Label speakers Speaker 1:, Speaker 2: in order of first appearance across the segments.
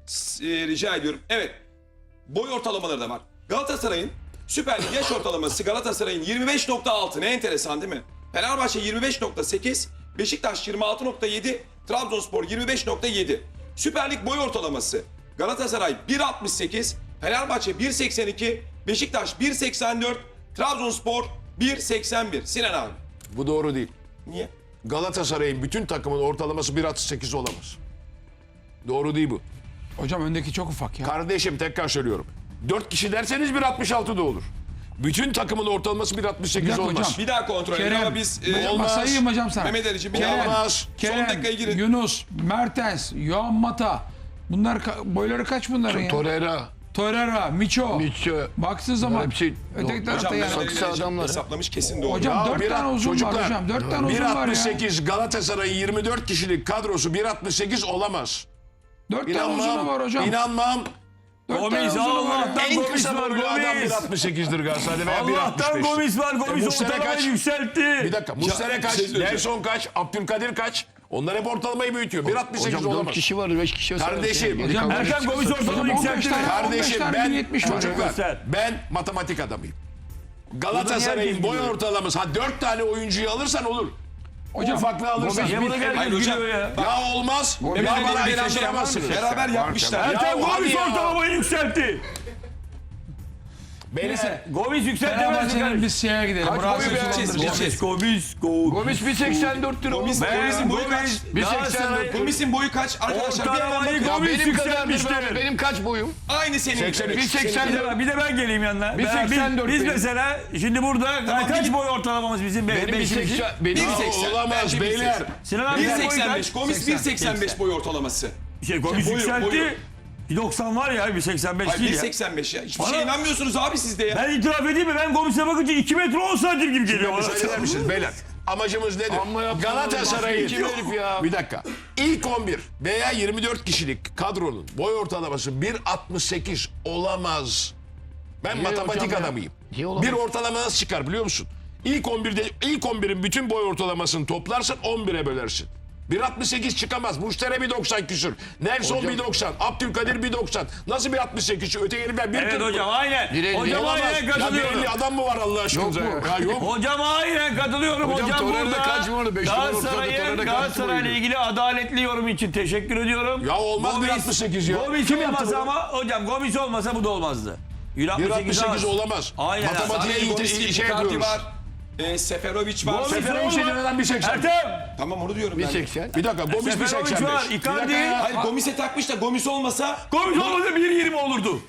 Speaker 1: Rica ediyorum. Evet. Boy ortalamaları da var. Galatasaray'ın Süper Lig yaş ortalaması Galatasaray'ın 25.6. Ne enteresan değil mi? Fenerbahçe 25.8, Beşiktaş 26.7, Trabzonspor 25.7. Süper Lig boy ortalaması Galatasaray 1.68, Fenerbahçe 1.82, Beşiktaş 1.84, Trabzonspor 1.81. Sinan abi.
Speaker 2: Bu doğru değil.
Speaker 1: Niye?
Speaker 2: Galatasaray'ın bütün takımın ortalaması 1.68 olamaz. Doğru değil bu.
Speaker 3: Hocam öndeki çok ufak ya.
Speaker 2: Kardeşim tekrar söylüyorum. 4 kişi derseniz 1.66 da olur. Bütün takımın ortalaması 1.68
Speaker 3: dakika
Speaker 2: olmaz.
Speaker 3: hocam.
Speaker 1: Bir daha kontrol edelim
Speaker 3: Kerem,
Speaker 1: ama biz...
Speaker 2: olmaz.
Speaker 3: sayayım hocam sana.
Speaker 1: Mehmet Ali'ciğim bir
Speaker 3: Kerem,
Speaker 1: daha
Speaker 2: olmaz.
Speaker 1: Son
Speaker 3: Kerem,
Speaker 1: dakikaya girin.
Speaker 3: Yunus, Mertens, Yohan Mata. Bunlar boyları kaç bunların ya?
Speaker 4: Torreira,
Speaker 3: Torreira, Miço.
Speaker 4: Miço.
Speaker 3: Baksın zaman.
Speaker 4: Hepsi-
Speaker 3: Öteki tarafta
Speaker 1: Hocam
Speaker 3: yani.
Speaker 1: Mehmet
Speaker 4: saksı
Speaker 1: Ali
Speaker 4: adamlar.
Speaker 1: hesaplamış kesin doğru.
Speaker 3: Hocam 4 tane uzun var hocam. 4 tane uzun var ya.
Speaker 2: 1.68 Galatasaray'ın 24 kişilik kadrosu 1.68 olamaz.
Speaker 3: 4 tane uzun var hocam.
Speaker 2: İnanmam.
Speaker 3: 4 tane
Speaker 5: Gomis
Speaker 3: uzunu var ya.
Speaker 5: Allah'tan
Speaker 2: En
Speaker 5: Gomis
Speaker 2: kısa
Speaker 5: var
Speaker 2: boylu adam
Speaker 5: Gomis.
Speaker 2: 1.68'dir Galatasaray'da veya
Speaker 5: Allah'tan
Speaker 2: 1.65'tir.
Speaker 5: Gomis var. Gomis
Speaker 2: Muslera
Speaker 5: ortalamayı
Speaker 2: kaç?
Speaker 5: yükseltti.
Speaker 2: Bir dakika. Muslera kaç?
Speaker 1: şey söyleyeceğim.
Speaker 2: Nelson kaç? Abdülkadir kaç? Onlar hep ortalamayı büyütüyor. 1.68
Speaker 4: Hocam 4
Speaker 2: olamaz.
Speaker 4: kişi var, 5 kişi var.
Speaker 2: Kardeşim,
Speaker 3: Hocam
Speaker 5: Erkan Gomis ortalamayı
Speaker 3: 15
Speaker 5: yükseltti.
Speaker 3: tane-
Speaker 2: Kardeşim
Speaker 3: 15 tane
Speaker 2: ben
Speaker 3: 1.70 var.
Speaker 2: çocuklar
Speaker 5: Göster.
Speaker 2: ben matematik adamıyım. Galatasaray'ın boy ortalaması 4 tane oyuncuyu alırsan olur.
Speaker 3: Hocam,
Speaker 2: Ufaklığı alırsan.
Speaker 5: Niye bunu
Speaker 1: Hayır
Speaker 5: herkes
Speaker 1: hocam.
Speaker 5: gülüyor ya?
Speaker 2: Ya olmaz.
Speaker 1: Mehmet
Speaker 2: Ya
Speaker 1: Ali
Speaker 2: bana
Speaker 1: ile
Speaker 2: inandıramazsınız.
Speaker 1: beraber yapmışlar.
Speaker 2: Ya
Speaker 5: Erkan
Speaker 2: hadi
Speaker 5: Gomis
Speaker 2: ya.
Speaker 5: ortalamayı yükseltti.
Speaker 2: Beyler,
Speaker 5: Gomis yükseltemez
Speaker 3: Fenerbahçe'nin biz şeye gidelim.
Speaker 4: Kaç
Speaker 3: Murat
Speaker 4: boyu
Speaker 3: Sözcü'nü
Speaker 4: be?
Speaker 3: andıracağız.
Speaker 5: Gomis.
Speaker 4: Gomis 1.84 lira.
Speaker 1: Gomis,
Speaker 4: oğlum.
Speaker 1: Gomis'in boyu kaç?
Speaker 4: 1.84.
Speaker 1: Gomis'in boyu kaç? Arkadaşlar bir hemen
Speaker 5: Ortalamayı
Speaker 1: bakın.
Speaker 4: Ya
Speaker 5: Gomis
Speaker 4: benim kadardır
Speaker 5: yükselmiştir.
Speaker 4: be. Benim kaç boyum?
Speaker 1: Aynı senin.
Speaker 2: 83.
Speaker 4: 1.84.
Speaker 5: Bir de ben geleyim yanına.
Speaker 4: 1.84
Speaker 5: Biz
Speaker 4: benim.
Speaker 5: mesela şimdi burada kaç
Speaker 1: gidin.
Speaker 5: boy ortalamamız bizim?
Speaker 4: Benim
Speaker 5: Beşimizin?
Speaker 4: 1.80. Benim
Speaker 1: 1.80.
Speaker 2: olamaz
Speaker 1: Bence
Speaker 2: beyler.
Speaker 5: Sinan abi sen boyu
Speaker 1: 1.85.
Speaker 5: kaç?
Speaker 1: Gomis 1.85 boy ortalaması.
Speaker 5: Gomis
Speaker 1: boyu,
Speaker 5: yükseltti.
Speaker 1: boyu.
Speaker 5: 1.90 var ya 1.85
Speaker 1: Hayır
Speaker 5: değil ya.
Speaker 1: 1.85 ya. Hiçbir
Speaker 5: Bana-
Speaker 1: şeye inanmıyorsunuz abi siz de ya.
Speaker 5: Ben itiraf edeyim mi? Ben Gomis'e bakınca 2 metre 10 santim gibi geliyor bana.
Speaker 2: Müsaade eder misiniz beyler? Amacımız nedir?
Speaker 4: Amma yaptın
Speaker 2: Galatasaray'ın
Speaker 4: oğlum, mahkum herif ya.
Speaker 2: Bir dakika. İlk 11 veya 24 kişilik kadronun boy ortalaması 1.68 olamaz. Ben matematik
Speaker 4: hocam ya?
Speaker 2: adamıyım.
Speaker 4: Niye olamaz?
Speaker 2: Bir ortalama nasıl çıkar biliyor musun? İlk 11'in bütün boy ortalamasını toplarsın 11'e bölersin. 1.68 çıkamaz. Muştere 1.90 küsür. Nelson
Speaker 4: Hocam-
Speaker 2: 1.90. Abdülkadir 1.90. Nasıl 1.68? Öteki herifler 1.40.
Speaker 5: Evet hocam aynen.
Speaker 4: Direğin
Speaker 5: Hocam
Speaker 2: Olamaz.
Speaker 5: aynen
Speaker 2: Ya
Speaker 5: katılıyorum.
Speaker 2: 50 adam mı var Allah aşkınıza?
Speaker 4: Yok mu?
Speaker 2: Ya yok.
Speaker 5: Hocam aynen katılıyorum.
Speaker 4: Hocam
Speaker 5: Hocam
Speaker 4: Torreira'da
Speaker 5: burada
Speaker 4: kaç numara? Beş numara ortada,
Speaker 5: Galatasaray'ın
Speaker 4: Torreira'da kaç
Speaker 5: Galatasaray'la
Speaker 4: boyuydu?
Speaker 5: ilgili adaletli yorum için teşekkür ediyorum.
Speaker 2: Ya olmaz 1.68 ya.
Speaker 5: Gomis
Speaker 2: Kim yaptı
Speaker 5: olmasa
Speaker 2: bunu?
Speaker 5: ama hocam Gomis olmasa bu da olmazdı.
Speaker 2: 1.68 olamaz.
Speaker 5: Aynen.
Speaker 2: Matematiğe
Speaker 1: Gomis'in
Speaker 2: şey
Speaker 1: Icardi
Speaker 2: yapıyoruz.
Speaker 1: var. Seferovic var.
Speaker 5: Gomis-
Speaker 2: Seferovic'e neden 1.80?
Speaker 5: Ertem.
Speaker 1: Tamam onu diyorum ben.
Speaker 4: 1.80.
Speaker 2: Bir dakika Gomis
Speaker 5: Seferovic
Speaker 2: 1.85.
Speaker 5: var,
Speaker 2: Bir
Speaker 5: Icardi.
Speaker 2: dakika ya.
Speaker 1: Hayır Gomis'e takmış da Gomis olmasa
Speaker 5: Gomis olmasa 1.20 olurdu.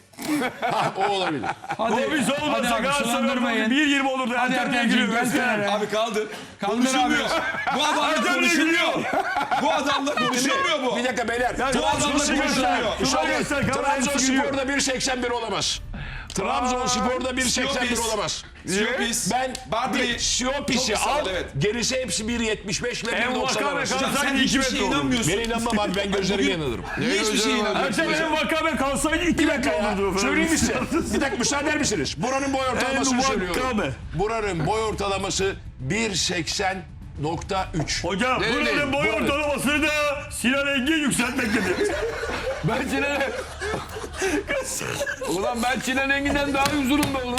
Speaker 2: O olabilir.
Speaker 3: Hadi,
Speaker 5: Gomis
Speaker 3: hadi
Speaker 5: olmasa
Speaker 3: abi,
Speaker 5: Galatasaray
Speaker 3: sulandırmayın.
Speaker 5: 1.20 olurdu.
Speaker 3: Hadi
Speaker 5: Ertem niye
Speaker 3: Ertemciğim
Speaker 5: gülüyor?
Speaker 3: gel kenara.
Speaker 1: abi kaldır.
Speaker 3: Kaldır
Speaker 1: Konuşulmuyor.
Speaker 3: abi.
Speaker 1: Bu adamla
Speaker 5: Ertem niye
Speaker 1: konuşulmuyor.
Speaker 5: gülüyor?
Speaker 1: Bu adamla konuşulmuyor bu.
Speaker 2: Bir dakika beyler.
Speaker 5: Ya,
Speaker 1: Bu adamla
Speaker 5: Şurayı göster.
Speaker 1: konuşulmuyor.
Speaker 5: Şurayı göster.
Speaker 2: Trabzonspor'da 1.81 olamaz. Trabzonspor'da 1.81
Speaker 1: Siopis.
Speaker 2: olamaz.
Speaker 1: Siopis.
Speaker 2: Ben
Speaker 1: Bartoli.
Speaker 2: Siyopis'i
Speaker 1: Çok kısa
Speaker 2: al.
Speaker 1: var, evet.
Speaker 2: Gerisi hepsi 1.75 ile
Speaker 5: En
Speaker 2: 1.90
Speaker 5: Vakame
Speaker 2: arası.
Speaker 5: kalsaydı
Speaker 1: Sen
Speaker 5: 2
Speaker 1: hiçbir
Speaker 5: metre
Speaker 1: şeye
Speaker 5: olurdu.
Speaker 1: inanmıyorsun.
Speaker 2: Ben inanmam abi ben gözlerime inanırım.
Speaker 1: Niye hiçbir şeye inanmıyorsun?
Speaker 5: Ertem en Vakame kalsaydı 2
Speaker 2: Bir dakika
Speaker 5: metre
Speaker 2: ya.
Speaker 5: olurdu.
Speaker 2: Söyleyeyim mi size? Bir dakika müsaade eder misiniz? Buranın boy ortalamasını
Speaker 5: En
Speaker 2: söylüyorum.
Speaker 5: Vakame.
Speaker 2: Buranın boy ortalaması 1.80.3.
Speaker 5: Hocam
Speaker 4: Ne
Speaker 5: buranın
Speaker 4: dedi?
Speaker 5: boy
Speaker 4: Bu-
Speaker 5: ortalamasını da Sinan Engin yükseltmektedir.
Speaker 4: Ben Sinan'e... Ulan ben Sinan Engin'den daha uzunum be oğlum.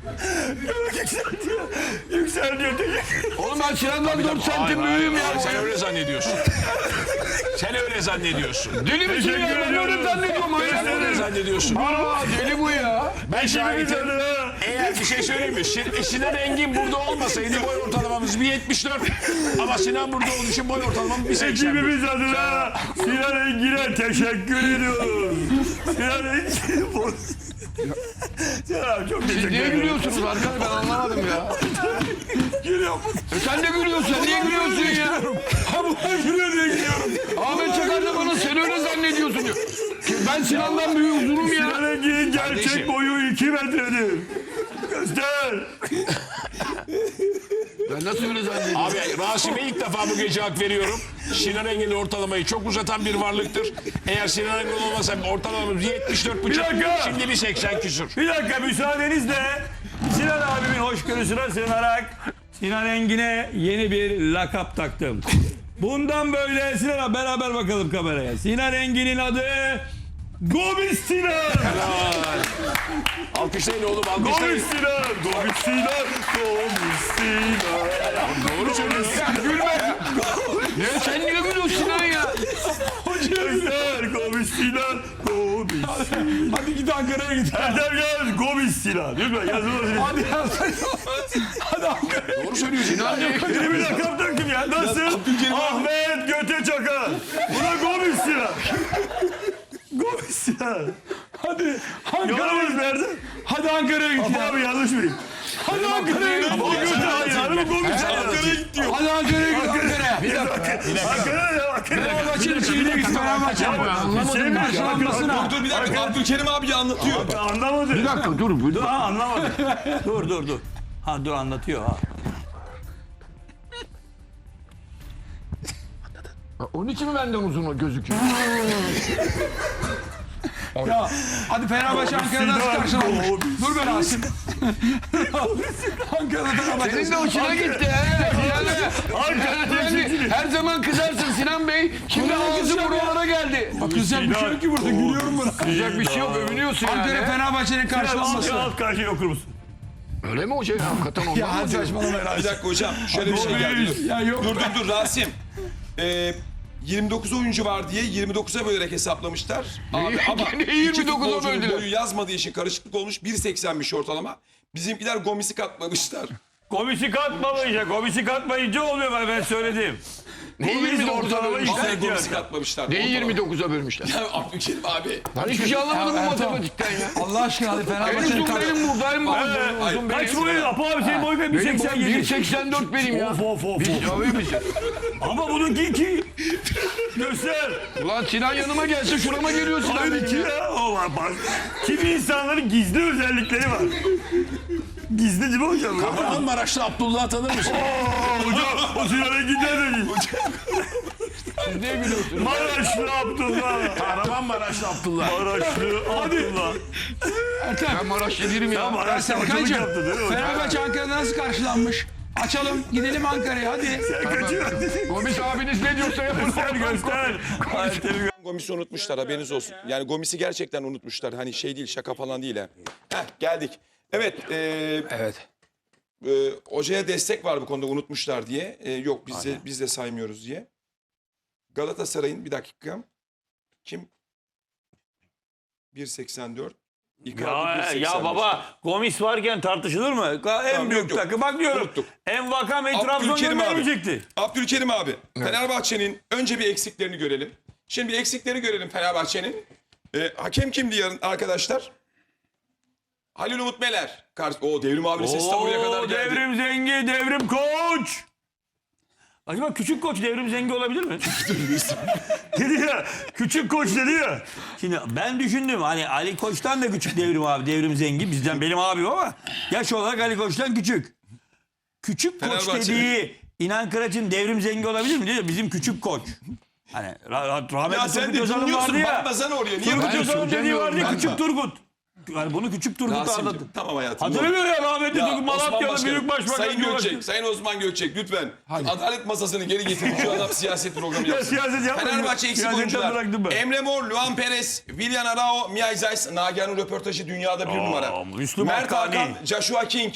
Speaker 5: Yükseliyor.
Speaker 4: Oğlum ben Sinan'dan 4 santim büyüğüm ya.
Speaker 2: Sen öyle zannediyorsun. Sen öyle zannediyorsun.
Speaker 4: Deli misin ya?
Speaker 5: Teşekkür
Speaker 4: Ben öyle
Speaker 5: ediyorum.
Speaker 4: zannediyorum.
Speaker 2: Sen öyle zannediyorsun.
Speaker 4: Aa deli bu ya.
Speaker 2: Ben şahitim. Eğer bir şey söyleyeyim mi? Sinan Engin burada olmasaydı boy ortalamamız 1.74. Ama Sinan burada olduğu için boy ortalamamız 1.81.
Speaker 5: Ekibimiz adına Sinan Engin'e teşekkür ediyoruz. Sinan Engin... Sinan abi çok teşekkür
Speaker 4: Niye
Speaker 5: ederim.
Speaker 4: gülüyorsunuz arkadaş ben anlamadım ya.
Speaker 5: Gülüyorum.
Speaker 4: Sen de gülüyorsun. Sen niye gülüyorsun ya?
Speaker 5: Ben gülüyor diye gülüyorum.
Speaker 4: Ahmet Çakar da bana sen öyle zannediyorsun diyor. Ben Sinan'dan büyük uzunum ya.
Speaker 5: Sinan Engin'in gerçek
Speaker 2: Kardeşim.
Speaker 5: boyu 2 metredir. Göster.
Speaker 4: Ben nasıl öyle zannediyorum?
Speaker 2: Abi Rasim'e ilk defa bu gece hak veriyorum. Sinan Engin'in ortalamayı çok uzatan bir varlıktır. Eğer Sinan Engin olmasa ortalamamız 74,5.
Speaker 5: Bir dakika.
Speaker 2: Şimdi bir 80 küsür.
Speaker 5: Bir dakika müsaadenizle Sinan abimin hoşgörüsüne sığınarak Sinan Engin'e yeni bir lakap taktım. Bundan böyle Sinan abi beraber bakalım kameraya. Sinan Engin'in adı Gomis Sinan.
Speaker 2: Alkışlayın oğlum
Speaker 5: Gomis
Speaker 2: alkışlayın.
Speaker 5: Sinan. Gomis Sinan. Gomis Sinan.
Speaker 2: Doğru söylüyorsun.
Speaker 4: Ne sen niye gülüyorsun Sinan ya?
Speaker 5: Göster Gomis Sinan. Gomis Sinan.
Speaker 1: Hadi git Ankara'ya git.
Speaker 5: Erdem yaz Gomis Sinan. Lütfen yazılmasın.
Speaker 1: Hadi hadi Ankara'ya.
Speaker 2: Doğru söylüyorsun.
Speaker 4: Sinan niye
Speaker 5: Beni bir lakap döktüm ya. Nasıl?
Speaker 1: Abdülkerim abi.
Speaker 5: Ahmet Göte Çakar. Bu da Gomis Sinan. Gomis Sinan.
Speaker 1: Hadi
Speaker 5: Yolumuz nerede?
Speaker 1: Hadi Ankara'ya git.
Speaker 5: Abi yanlış mıyım?
Speaker 1: Hadi Ankara'ya git.
Speaker 5: Ama Göte hayır. Hanım Gomis Sinan.
Speaker 1: Ankara'ya git diyor.
Speaker 3: Hadi Ankara'ya git Ankara'ya.
Speaker 5: Bir dakika. Ankara'ya ya.
Speaker 3: Fenerbahçe'nin şeyine git Fenerbahçe.
Speaker 5: Anlamadım.
Speaker 3: Karşılanmasına.
Speaker 1: Dur bir dakika Abdülkerim abi anlatıyor.
Speaker 5: Anlamadım.
Speaker 4: Bir dakika dur.
Speaker 5: Dur ha anlamadım. dur. Ha dur anlatıyor ha.
Speaker 4: Onun için mi benden uzun gözüküyor?
Speaker 3: Ya hadi Fenerbahçe Ankara'da nasıl karşılanmış? Dur be Rasim. Ankara'da Fenerbahçe.
Speaker 4: Senin de hoşuna gitti he. Yani her zaman kızarsın Sinan Bey. Şimdi ağzı buralara geldi.
Speaker 3: Kızacak bir şey yok ki burada. Gülüyorum buna.
Speaker 4: Kızacak bir şey yok övünüyorsun
Speaker 3: Ankara
Speaker 4: yani.
Speaker 3: Fenerbahçe'nin karşılanması.
Speaker 5: Alt karşıya okur musun?
Speaker 4: Öyle mi hocam? Hakikaten ondan
Speaker 3: Ya
Speaker 4: mı
Speaker 3: hadi
Speaker 4: diyor?
Speaker 3: saçmalama
Speaker 1: Bir
Speaker 3: Rasim.
Speaker 1: dakika hocam şöyle bir şey geldi.
Speaker 3: Ya yok.
Speaker 1: Dur Rasim. 29 oyuncu var diye 29'a bölerek hesaplamışlar. Abi ama
Speaker 4: Ne
Speaker 1: iki
Speaker 4: 29'a
Speaker 1: futbolcunun
Speaker 4: böldüler?
Speaker 1: boyu yazmadığı için karışıklık olmuş. 1.80'miş ortalama. Bizimkiler Gomis'i katmamışlar.
Speaker 5: Komisi katmayınca, komisi katmayınca oluyor ben söyledim.
Speaker 4: Neyi
Speaker 5: Gomis
Speaker 4: 29'a
Speaker 5: ortalama
Speaker 4: bölmüşler?
Speaker 1: Vallahi
Speaker 5: yükseltiyor.
Speaker 1: Gomis'i katmamışlar.
Speaker 4: Neyi
Speaker 1: Ortalama.
Speaker 4: 29'a bölmüşler?
Speaker 1: Ya Abdülkerim abi.
Speaker 4: Ben hiçbir şey anlamadım bu
Speaker 3: Ya Ertan.
Speaker 4: matematikten ya.
Speaker 3: Allah aşkına hadi
Speaker 4: En
Speaker 3: Fenerbahçe'nin
Speaker 4: uzun
Speaker 3: karşılanması.
Speaker 4: benim buradayım bu. Uzun
Speaker 5: Kaç
Speaker 4: benim.
Speaker 5: boyun? Apo abi senin boyun
Speaker 4: Benim boyum
Speaker 5: 1.87.
Speaker 4: 1.84 benim ya.
Speaker 5: Of.
Speaker 4: Tabii misin?
Speaker 5: Ama bununki 2. Göster.
Speaker 4: Ulan Sinan yanıma gelse şurama geliyor Sinan
Speaker 5: Hayır
Speaker 4: benim
Speaker 5: 2
Speaker 4: ya.
Speaker 5: ya. O var bak. Kimi insanların gizli özellikleri var. Gizli değil mi hocam?
Speaker 2: Kahramanmaraşlı Abdullah tanır mısın?
Speaker 5: Hocam o Sinan'a gider de.
Speaker 4: Siz niye gülüyorsunuz?
Speaker 5: Maraşlı Abdullah.
Speaker 2: Kahramanmaraşlı Abdullah.
Speaker 5: Maraşlı Abdullah.
Speaker 4: Ben Maraşlı değilim ya.
Speaker 5: Maraşlı hocalık
Speaker 3: Serkan'cığım
Speaker 5: yaptı değil mi hocam?
Speaker 3: Fenerbahçe Ankara'da nasıl karşılanmış? Açalım gidelim Ankara'ya hadi.
Speaker 4: Gomis abiniz ne diyorsa yapın.
Speaker 5: Göster.
Speaker 1: Gomis'i unutmuşlar haberiniz olsun. Yani Gomis'i gerçekten unutmuşlar. Hani şey değil şaka falan değil ha. Heh geldik. Evet.
Speaker 3: Evet.
Speaker 1: Hocaya destek var bu konuda unutmuşlar diye. Yok biz de saymıyoruz diye. Galatasaray'ın bir dakika. Kim? 1.84. Icardi
Speaker 5: Ya,
Speaker 1: 1.85.
Speaker 5: ya baba Gomis varken tartışılır mı? En büyük
Speaker 1: yok.
Speaker 5: takım. Bak diyorum.
Speaker 1: Unuttuk.
Speaker 5: Envakam Trabzon
Speaker 1: Abdülkerim abi.
Speaker 5: göndermeyecekti.
Speaker 1: Abdülkerim abi. Fenerbahçe'nin önce bir eksiklerini görelim. Şimdi bir eksikleri görelim Fenerbahçe'nin. Hakem kimdi yarın arkadaşlar? Halil Umut Meler. O Devrim abinin sesi tam buraya kadar geldi.
Speaker 5: Devrim Zengi, Devrim Koç. Acaba küçük koç Devrim Zengi olabilir mi? dedi ya, küçük koç dedi ya. Şimdi ben düşündüm hani Ali Koç'tan da küçük Devrim abi, Devrim Zengi bizden benim abim ama yaş olarak Ali Koç'tan küçük. Küçük koç
Speaker 1: Fenerbahçe.
Speaker 5: dediği İnan Kıraç'ın Devrim Zengi olabilir mi diyor. Bizim küçük koç. Hani
Speaker 1: Ya
Speaker 5: rahmetli
Speaker 1: sen
Speaker 5: Turgut
Speaker 1: de
Speaker 5: Özal'ın
Speaker 1: dinliyorsun.
Speaker 5: vardı ya.
Speaker 1: Bakmasana oraya. Niye
Speaker 5: Turgut
Speaker 1: bakıyorsun?
Speaker 5: Özal'ın dediği vardı ya
Speaker 3: Ben
Speaker 5: küçük
Speaker 3: bak.
Speaker 5: Turgut. Yani bunu küçük Turgut'u anlattı.
Speaker 1: Rasim'cim tamam hayatım.
Speaker 5: Hatırlamıyor ya rahmetli
Speaker 1: Ya
Speaker 5: Turgut
Speaker 1: Osman
Speaker 5: Malatyalı
Speaker 1: Başkanım,
Speaker 5: büyük başbakan.
Speaker 1: Sayın
Speaker 5: Cumhurbaşkanı.
Speaker 1: Gökçek, Sayın Osman Gökçek lütfen. Adalet masasını geri getirin. Şu adam siyaset programı yapsın.
Speaker 5: siyaset yapmayın.
Speaker 1: Fenerbahçe eksik
Speaker 5: Siyasetten bıraktım
Speaker 1: oyuncular.
Speaker 5: ben.
Speaker 1: Emre Mor, Luan Perez, Willian Arao, Mia Zeiss, Nagihan'ın röportajı dünyada bir numara.
Speaker 5: Müslüm
Speaker 1: Mert
Speaker 5: Hakkani.
Speaker 1: Hakan, Joshua King.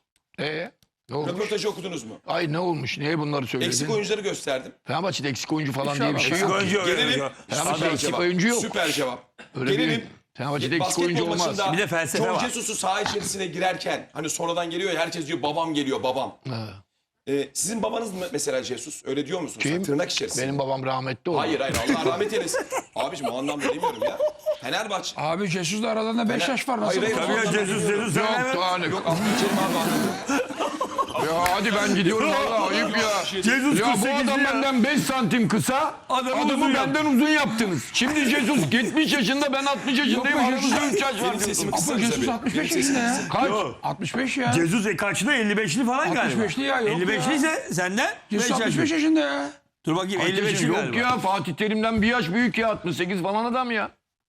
Speaker 4: Ne olmuş?
Speaker 1: Röportajı okudunuz mu?
Speaker 4: Ay ne olmuş? Niye bunları söyledin?
Speaker 1: Eksik oyuncuları gösterdim.
Speaker 4: Fenerbahçe'de eksik oyuncu falan diye bir şey yok.
Speaker 5: Oyuncu yok.
Speaker 1: Gelelim.
Speaker 4: Fenerbahçe'de
Speaker 1: Süper
Speaker 4: eksik
Speaker 1: cevap.
Speaker 4: oyuncu yok.
Speaker 1: Süper cevap.
Speaker 4: Öyle
Speaker 1: Gelelim.
Speaker 4: değil. Fenerbahçe'de eksik oyuncu
Speaker 1: Basketbol
Speaker 4: olmaz.
Speaker 1: maçında
Speaker 5: Bir de felsefe
Speaker 1: John
Speaker 5: var.
Speaker 1: Jesus'u saha içerisine girerken hani sonradan geliyor ya herkes diyor babam geliyor babam. Sizin babanız mı mesela Jesus? Öyle diyor musunuz?
Speaker 4: Kim?
Speaker 1: Tırnak içerisinde.
Speaker 4: Benim babam rahmetli oldu.
Speaker 1: Hayır Allah rahmet eylesin. Abiciğim o anlamda demiyorum ya. Fenerbahçe.
Speaker 3: Abi Jesus'la aralarında 5 yaş var. Nasıl?
Speaker 1: Hayır,
Speaker 5: Tabii ya Jesus sen
Speaker 4: Yok
Speaker 5: hemen.
Speaker 4: daha ne?
Speaker 1: Yok Abdülkerim abi anladım.
Speaker 4: Ya hadi ben gidiyorum valla ayıp ya.
Speaker 5: Jesus
Speaker 4: Ya bu
Speaker 5: 48
Speaker 4: adam
Speaker 5: ya.
Speaker 4: benden 5 santim kısa.
Speaker 5: Adamı uzun
Speaker 4: Adamı
Speaker 5: yaptı.
Speaker 4: benden uzun yaptınız. Şimdi Jesus 70 yaşında ben 60 yaşındayım.
Speaker 3: Yok be,
Speaker 4: Aramızda
Speaker 3: Jesus-
Speaker 4: 3 yaş var.
Speaker 1: Benim sesimi
Speaker 3: Ama
Speaker 1: kıssanıza
Speaker 3: Jesus
Speaker 1: bir.
Speaker 3: 65
Speaker 1: Benim sesimi
Speaker 3: yaşında ya.
Speaker 4: Kaç?
Speaker 5: Yok.
Speaker 3: 65 ya.
Speaker 5: Jesus kaçlı? 55'li falan galiba.
Speaker 3: 65'li ya, yok
Speaker 5: 55'li ise senden 5
Speaker 3: Jesus
Speaker 5: yaş.
Speaker 3: 65 yaşında ya.
Speaker 5: Dur bakayım 55'li
Speaker 4: Yok
Speaker 5: galiba.
Speaker 4: ya Fatih Terim'den bir yaş büyük ya 68 falan adam ya.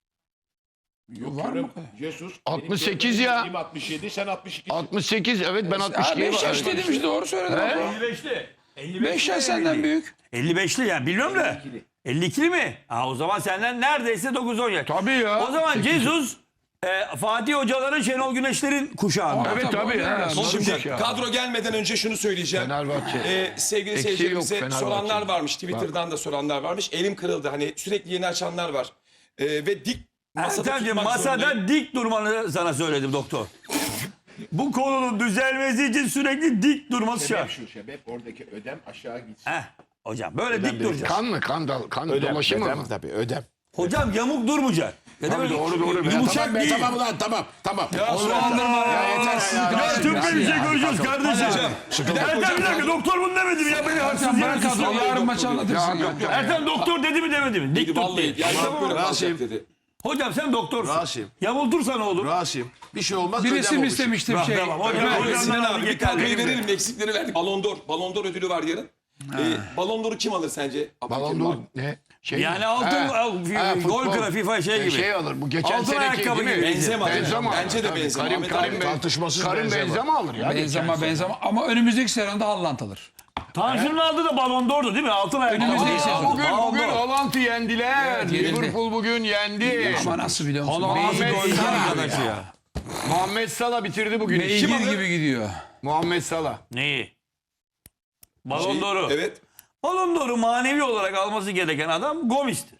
Speaker 3: Var mı?
Speaker 2: Jesus.
Speaker 4: 68 ya.
Speaker 2: 67 sen 62.
Speaker 4: 68 evet ben
Speaker 3: Ha
Speaker 4: 62'ye
Speaker 3: 5 yaş dedim işte doğru söyledin.
Speaker 4: He?
Speaker 5: 55'li.
Speaker 3: 5 yaş senden büyük.
Speaker 5: 55'li yani bilmiyorum da. 52'li mi? Ha, o zaman senden neredeyse 9-10 yaş.
Speaker 4: Tabii ya.
Speaker 5: O zaman Jesus Fatih Hocaların, Şenol Güneşler'in kuşağı mı?
Speaker 4: Evet tabii ya.
Speaker 1: Şimdi kadro gelmeden önce şunu söyleyeceğim.
Speaker 4: Fenerbahçe.
Speaker 1: Sevgili
Speaker 4: Eksiği
Speaker 1: seyircilerimize
Speaker 4: yok
Speaker 1: soranlar
Speaker 4: Fenerbahçe'nin.
Speaker 1: varmış. Twitter'dan da soranlar varmış. Elim kırıldı. Hani sürekli yeni açanlar var. Ve dik masada
Speaker 5: Ertem'ciğim
Speaker 1: tutmak zorundayım.
Speaker 5: masada dik durmanı sana söyledim doktor. Bu konunun düzelmesi için sürekli dik durması şart.
Speaker 6: Şu sebep oradaki ödem aşağı gitsin.
Speaker 5: Heh, hocam böyle dik duracağız.
Speaker 4: Kan mı? Kan dolaşımı
Speaker 2: ödem
Speaker 4: mı?
Speaker 2: tabii ödem.
Speaker 5: Hocam yamuk durmayacak. Ya da böyle
Speaker 4: doğru.
Speaker 5: Yumuşak
Speaker 2: Tamam be,
Speaker 5: değil.
Speaker 2: tamam ulan tamam.
Speaker 5: Ya
Speaker 2: yeter
Speaker 5: Türkçe bir şey göreceğiz kardeşim.
Speaker 1: Hocam,
Speaker 5: Ertem bir dakika doktor bunu demedi mi ya? Beni haksız
Speaker 3: Sen
Speaker 5: yere
Speaker 3: bırak kadroyu
Speaker 5: suçluyor.
Speaker 3: yarın maçı anlatırsın ya.
Speaker 5: Ertem doktor dedi mi demedi mi? Dik tut
Speaker 1: Vallahi
Speaker 5: değil.
Speaker 1: yani
Speaker 5: Tamam.
Speaker 1: böyle
Speaker 2: Rasim.
Speaker 1: kalacak dedi.
Speaker 5: Hocam sen doktorsun.
Speaker 2: Rasim.
Speaker 5: Yamultursa ne olur?
Speaker 2: Rasim bir şey olmaz.
Speaker 3: Bir
Speaker 2: ödem
Speaker 3: resim
Speaker 2: olur.
Speaker 3: istemiştim
Speaker 5: Tamam,
Speaker 3: şey.
Speaker 5: tamam. Hocam,
Speaker 3: Ömer,
Speaker 5: hocam.
Speaker 1: Sinan abi bir
Speaker 5: yeter,
Speaker 1: kadroyu
Speaker 5: benim de.
Speaker 1: verelim. Eksikleri verdik. Ballon d'Or ödülü var yarın. Ballon d'Or'u kim alır sence?
Speaker 4: Balon d'Or ne? Şey
Speaker 5: Yani
Speaker 4: mi?
Speaker 5: altın gol
Speaker 4: futbol.
Speaker 5: kralı FIFA şey gibi.
Speaker 4: Şey alır. Bu geçen
Speaker 5: Altın
Speaker 4: seneki
Speaker 5: ayakkabı
Speaker 4: değil mi?
Speaker 5: gibi.
Speaker 1: Benzema.
Speaker 4: Benzema.
Speaker 1: Bence de
Speaker 4: Tabii,
Speaker 1: Benzema. Ahmet
Speaker 4: Karim
Speaker 1: abi.
Speaker 2: Tartışmasız
Speaker 4: Karim
Speaker 2: Benzema.
Speaker 4: Benzema alır ya.
Speaker 3: Benzema ama önümüzdeki sezonda Haaland alır.
Speaker 5: Tanju'nun aldığı da Ballon d'Or'du değil mi? Altın ayakkabı.
Speaker 3: Önümüzdeki sezon.
Speaker 4: Bugün
Speaker 5: Ballon d'Or.
Speaker 4: yendiler.
Speaker 3: Evet, yenildi.
Speaker 4: Liverpool bugün yendi.
Speaker 3: Ama nasıl biliyor musun?
Speaker 4: Ahmet
Speaker 3: Beygir,
Speaker 4: Salah.
Speaker 5: Arkadaşı ya.
Speaker 4: Muhammed Salah bitirdi bugün.
Speaker 3: beygir
Speaker 1: alır?
Speaker 3: gibi gidiyor.
Speaker 4: Muhammed Salah.
Speaker 5: Neyi? Ballon d'Or'u.
Speaker 1: Evet.
Speaker 5: Ballon d'Or'u manevi olarak alması gereken adam Gomis'tir.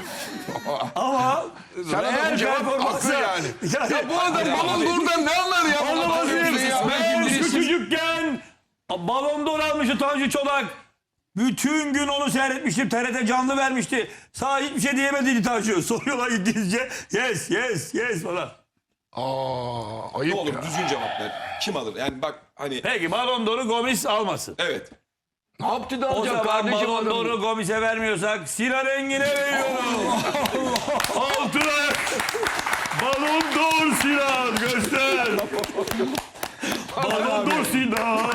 Speaker 5: Ama
Speaker 4: Sana da bu cevap haklı yani. Ya bu adam Ballon d'Or'dan ne anlar ya?
Speaker 5: Anlamaz mıyım?
Speaker 3: ya.
Speaker 5: Ben
Speaker 3: Birisi-
Speaker 5: küçücükken Ballon d'Or almıştı Tanju Çolak. Bütün gün onu seyretmiştim. TRT canlı vermişti. Sağ hiçbir şey diyemediydi Tanju. Soruyorlar İngilizce. Yes falan.
Speaker 4: Ayıp
Speaker 1: Ne olur
Speaker 4: ya.
Speaker 1: düzgün cevap ver. Kim alır? Yani bak hani
Speaker 5: Peki Ballon d'Or'u Gomis almasın.
Speaker 1: evet.
Speaker 4: Ne yaptı da
Speaker 5: O
Speaker 4: alacak
Speaker 5: zaman
Speaker 4: kardeşim
Speaker 5: Ballon
Speaker 4: adam?
Speaker 5: d'Or'u Gomis'e vermiyorsak Sinan Engin'e veriyoruz. Altın ayak. Ballon d'Or Sinan göster. Ballon d'Or Sinan.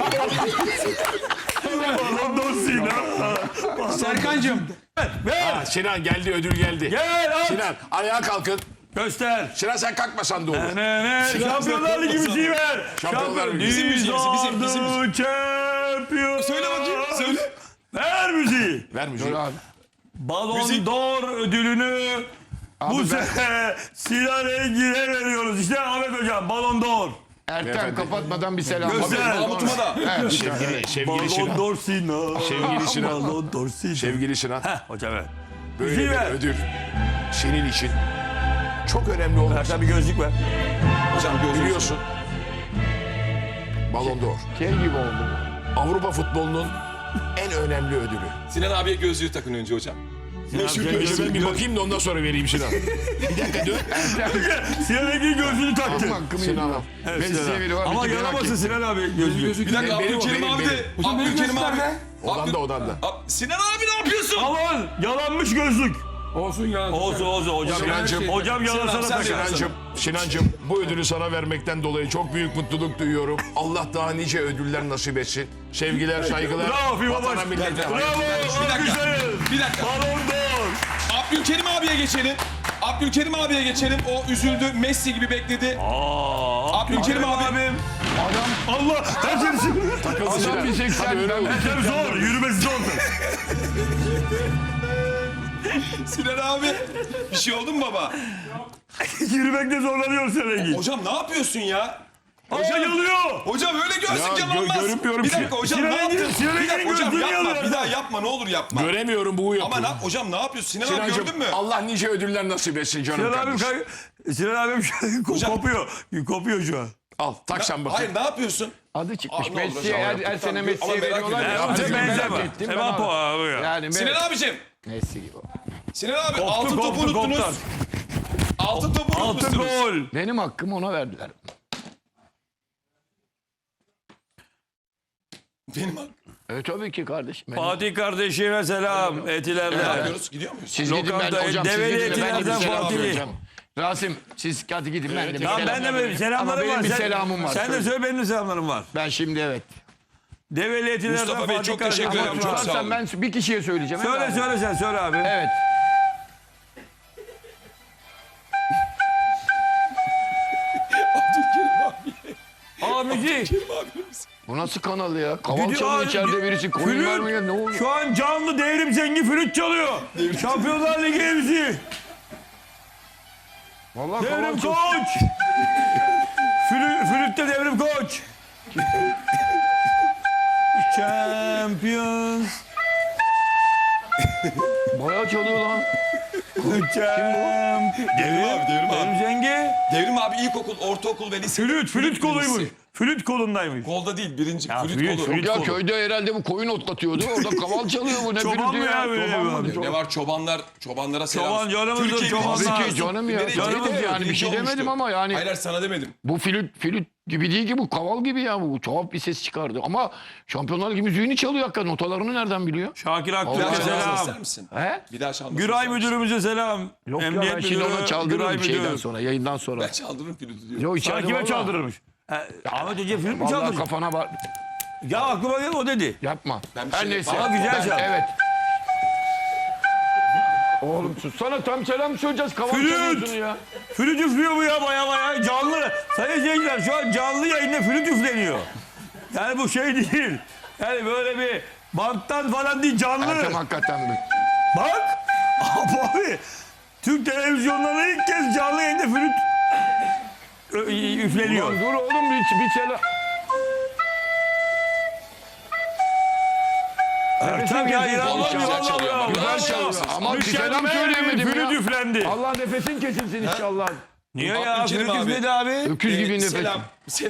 Speaker 5: Ballon d'Or Sinan.
Speaker 3: Serkan'cığım
Speaker 5: Ver.
Speaker 2: Ha, Sinan geldi ödül geldi.
Speaker 5: Gel at.
Speaker 2: Sinan ayağa kalkın.
Speaker 5: Göster.
Speaker 2: Sinan sen kalkmasan da olur.
Speaker 5: Ne Şampiyonlar Ligi müziği ver.
Speaker 2: Şampiyonlar Ligi.
Speaker 1: Bizim müziğimiz, bizim müziğimiz.
Speaker 5: Champion.
Speaker 1: Söyle bakayım, söyle.
Speaker 5: Ver müziği.
Speaker 2: Ver müziği.
Speaker 5: Ballon
Speaker 1: Müzik.
Speaker 5: d'Or ödülünü bu sene Sinan Engin'e veriyoruz. İşte Ahmet Hocam Ballon d'Or.
Speaker 4: Ertem kapatmadan bir selam.
Speaker 5: Göster.
Speaker 1: Mahmut'uma da.
Speaker 2: Sevgili
Speaker 5: Ballon
Speaker 2: Sinan.
Speaker 5: d'Or Sinan.
Speaker 2: Sevgili Sinan.
Speaker 5: Ballon d'Or Sinan.
Speaker 2: Sevgili Sinan.
Speaker 5: Heh hocam evet.
Speaker 2: Böyle
Speaker 5: Müziği
Speaker 2: bir
Speaker 5: ver.
Speaker 2: ödül senin için çok önemli olmaz.
Speaker 5: Ertem bir gözlük ver.
Speaker 1: Hocam gözünüzü.
Speaker 2: Biliyorsun. Ballon d'Or.
Speaker 4: Şey gibi oldu.
Speaker 2: Avrupa futbolunun en önemli ödülü.
Speaker 1: Sinan abiye gözlüğü takın önce hocam.
Speaker 2: Önce ben bir bakayım da ondan sonra vereyim Sinan. Bir dakika dur.
Speaker 5: Sinan Engin gözlüğünü taktı.
Speaker 4: Hakkımı
Speaker 2: Sinan
Speaker 4: yedim.
Speaker 2: al.
Speaker 5: Evet,
Speaker 4: Ben
Speaker 5: Sinan
Speaker 4: size
Speaker 5: abi.
Speaker 4: veriyorum.
Speaker 5: Ama
Speaker 4: Bir merak
Speaker 5: yaramasın
Speaker 4: ettim.
Speaker 5: Sinan abi gözlüğü.
Speaker 1: Bir dakika
Speaker 2: Benim,
Speaker 1: Abdülkerim
Speaker 2: benim,
Speaker 1: abi de.
Speaker 2: benim.
Speaker 1: Abdülkerim abi.
Speaker 2: Odanda odanda.
Speaker 1: Sinan abi ne yapıyorsun?
Speaker 5: Aman yalanmış gözlük.
Speaker 3: olsun ya.
Speaker 5: Olsun hocam.
Speaker 2: Sinancım.
Speaker 5: Hocam yalasana
Speaker 1: Sinan, sen
Speaker 5: takar.
Speaker 2: Sinancım bu ödülü sana vermekten dolayı çok büyük mutluluk duyuyorum. Allah daha nice ödüller nasip etsin. Sevgiler, saygılar.
Speaker 5: Bravo FIFA
Speaker 2: Vatana,
Speaker 5: Baş.
Speaker 2: millete.
Speaker 5: Bravo.
Speaker 1: Bir dakika.
Speaker 5: Alkışlayın.
Speaker 1: Bir dakika.
Speaker 5: Ballon d'Or.
Speaker 1: Abdülkerim abiye geçelim. Abdülkerim abiye geçelim. O üzüldü. Messi gibi bekledi. Abdülkerim abi.
Speaker 5: abim. Adam Allah. Her şey
Speaker 2: Takıldı Sinan.
Speaker 4: Adam bir 80
Speaker 2: Hadi öyle
Speaker 4: ben
Speaker 2: olur.
Speaker 5: Ertem zor. Yürümesi zor.
Speaker 1: Sinan abi. Bir şey oldu mu baba?
Speaker 5: Yürümekte zorlanıyor Sinan Engin.
Speaker 1: Hocam ne yapıyorsun ya?
Speaker 5: Hocam yanıyor.
Speaker 1: Hocam öyle gözlük
Speaker 2: Ya,
Speaker 1: olmaz.
Speaker 2: görünmüyorum
Speaker 1: Bir
Speaker 2: ki.
Speaker 1: dakika hocam
Speaker 5: Sinan
Speaker 1: ne
Speaker 5: Engin'in-
Speaker 1: yaptın?
Speaker 5: Sinan
Speaker 1: Bir dakika
Speaker 5: Engin'in
Speaker 1: hocam
Speaker 5: gözlüğünü
Speaker 1: yapma.
Speaker 5: alıyor
Speaker 1: Bir daha
Speaker 5: adam.
Speaker 1: yapma ne olur yapma.
Speaker 2: Göremiyorum bu yapıyor.
Speaker 1: Ama hocam ne yapıyorsun? Sinan abi
Speaker 2: Sinancım
Speaker 1: gördün mü?
Speaker 2: Allah nice ödüller nasip etsin canım
Speaker 5: Sinan abim,
Speaker 2: kardeşim.
Speaker 5: Sinan abim kopuyor. Kopuyor şu an.
Speaker 2: Al tak sen bakayım.
Speaker 1: Hayır ne yapıyorsun?
Speaker 4: Adı çıkmış.
Speaker 1: Aa, ne olur
Speaker 4: Messi'ye
Speaker 1: hocam,
Speaker 4: her sene
Speaker 1: Ama
Speaker 4: Messi'ye
Speaker 1: merak
Speaker 4: veriyorlar
Speaker 1: ediyorum.
Speaker 4: ya.
Speaker 5: Hocam
Speaker 4: Bugün merak
Speaker 5: benzeme.
Speaker 4: ettim. ben
Speaker 5: Hemen
Speaker 4: abi.
Speaker 5: abi ya.
Speaker 4: Yani
Speaker 1: Sinan abicim.
Speaker 4: Messi gibi.
Speaker 1: Sinan abi
Speaker 5: Koptu,
Speaker 1: altın topu
Speaker 5: koptu,
Speaker 1: unuttunuz.
Speaker 5: koptu.
Speaker 1: Altın topu
Speaker 5: Altın
Speaker 1: unutmuşsunuz.
Speaker 5: gol.
Speaker 4: Benim hakkımı ona verdiler.
Speaker 1: Benim hakkım.
Speaker 4: Tabii ki kardeşim. Benim.
Speaker 5: Fatih kardeşime selam.
Speaker 1: Ne
Speaker 5: Etilerden.
Speaker 1: yapıyoruz? Gidiyor muyuz?
Speaker 4: Siz gidin ben
Speaker 5: Lokanta,
Speaker 4: hocam siz
Speaker 5: develi
Speaker 4: gidin ben
Speaker 5: etilerden
Speaker 4: gidin selam
Speaker 5: Fatih'i.
Speaker 4: vereceğim. Rasim siz hadi gidin ben de bir
Speaker 5: Tamam
Speaker 4: selam
Speaker 5: ben de böyle
Speaker 4: vereyim.
Speaker 5: selamlarım
Speaker 4: Ama benim
Speaker 5: var.
Speaker 4: bir
Speaker 5: Sen-
Speaker 4: selamım var.
Speaker 5: Sen de
Speaker 4: Söyle.
Speaker 5: söyle benim de selamlarım var.
Speaker 4: Ben şimdi evet.
Speaker 5: Develi etilerden
Speaker 1: Mustafa Bey,
Speaker 5: Fatih
Speaker 1: çok teşekkür
Speaker 5: kardeşime
Speaker 1: ederim,
Speaker 5: selam.
Speaker 1: çok sağ olun.
Speaker 4: Ben bir kişiye söyleyeceğim.
Speaker 5: Söyle
Speaker 4: Evet.
Speaker 5: söyle sen söyle abi.
Speaker 4: Evet.
Speaker 1: Abdülkerim abi.
Speaker 5: Abi
Speaker 4: Abdülkerim
Speaker 7: Bu nasıl kanal ya? Kaval
Speaker 5: Gidiyor
Speaker 7: çalıyor
Speaker 5: abi,
Speaker 7: içeride birisi. Koyun
Speaker 5: flüt.
Speaker 7: vermiyor. Ne oluyor?
Speaker 5: Şu an canlı devrim zengi flüt çalıyor. Şampiyonlar Ligi MC.
Speaker 7: Vallahi
Speaker 5: Devrim
Speaker 7: kaval çok...
Speaker 5: Koç. Flütte Devrim Koç. Champions.
Speaker 7: Bayağı çalıyor lan.
Speaker 1: Devrim abi, Devrim
Speaker 5: Devrim
Speaker 1: abi.
Speaker 5: Zengi.
Speaker 1: Devrim abi ilkokul, ortaokul ve lise.
Speaker 5: Flüt koluymuş. Flüt kolundaymış.
Speaker 1: Kolda değil, birinci.
Speaker 5: Ya,
Speaker 1: flüt
Speaker 5: flüt,
Speaker 1: kolu.
Speaker 5: flüt.
Speaker 7: Ya
Speaker 5: kolu.
Speaker 7: köyde herhalde bu koyun otlatıyordu. Orada kaval çalıyor bu. Ne
Speaker 5: Çoban
Speaker 7: flütü
Speaker 5: mı ya böyle
Speaker 7: Çoban
Speaker 5: abi?
Speaker 7: mı?
Speaker 1: Ne var çobanlara selam.
Speaker 5: Çoban canımızdır,
Speaker 1: Türkiye
Speaker 5: çobanlar.
Speaker 1: birincisi
Speaker 7: Tabii ki
Speaker 1: olmuştu.
Speaker 7: canım ya.
Speaker 1: Nereye
Speaker 7: Tabii
Speaker 1: gidiyor?
Speaker 7: de yani bir
Speaker 1: Birinci
Speaker 7: şey demedim
Speaker 1: olmuştu.
Speaker 7: ama yani.
Speaker 1: Hayır sana demedim.
Speaker 7: Bu flüt gibi değil ki bu kaval gibi ya bu tuhaf bir ses çıkardı ama Şampiyonlar Ligi müziğini çalıyor hakikaten notalarını nereden biliyor?
Speaker 5: Şakir
Speaker 1: Bir daha
Speaker 5: Aktürk'e
Speaker 1: çalmasını ister
Speaker 5: selam.
Speaker 1: misin?
Speaker 7: He?
Speaker 1: Bir daha çalmasını
Speaker 5: Güray
Speaker 1: ister misin?
Speaker 5: müdürümüze selam.
Speaker 7: Yok ya
Speaker 5: Emniyet
Speaker 7: ben şimdi
Speaker 5: müdürü,
Speaker 7: ona
Speaker 5: Güray
Speaker 7: çaldırırım şeyden
Speaker 5: müdürü.
Speaker 7: sonra yayından sonra.
Speaker 1: Ben çaldırırım flütü diyor.
Speaker 7: Yok
Speaker 5: Sana
Speaker 7: içeride
Speaker 5: kime
Speaker 7: valla.
Speaker 5: çaldırırmış? Ahmet Hoca flüt mü
Speaker 7: Vallahi
Speaker 5: çaldırmış?
Speaker 7: kafana var.
Speaker 5: Ya aklıma geldi o dedi.
Speaker 7: Yapma.
Speaker 1: Ben bir
Speaker 7: Her
Speaker 1: şey-
Speaker 7: neyse.
Speaker 5: Ama güzel çaldı.
Speaker 7: Evet. Oğlum sussana tam selam söyleyeceğiz. Kaval
Speaker 5: Flüt!
Speaker 7: çalıyorsun ya.
Speaker 5: Flüt üflüyor bu ya baya canlı. Sayın seyirciler şu an canlı yayında flüt üfleniyor. Yani bu şey değil. Yani böyle bir banttan falan değil canlı.
Speaker 7: Ertem hakikaten bir.
Speaker 5: Bak. Abi. Türk televizyonlarında ilk kez canlı yayında flüt üfleniyor.
Speaker 7: Ulan dur oğlum bir selam.
Speaker 5: Ertem ya inanılmaz
Speaker 7: Güzel
Speaker 5: vallahi
Speaker 1: çalıyor
Speaker 5: ya.
Speaker 1: ama.
Speaker 7: Güzel
Speaker 1: Bravo.
Speaker 7: çalıyor. Ama bir selam
Speaker 5: Mükemmel bir
Speaker 7: söyleyemedim
Speaker 5: flüt
Speaker 7: ya.
Speaker 5: üflendi.
Speaker 7: Allah nefesin kesilsin inşallah.
Speaker 5: Niye ya?
Speaker 1: Abdülkerim
Speaker 5: Flüt
Speaker 1: abi.
Speaker 5: üfledi abi.
Speaker 7: Öküz gibi nefes.
Speaker 1: Selam.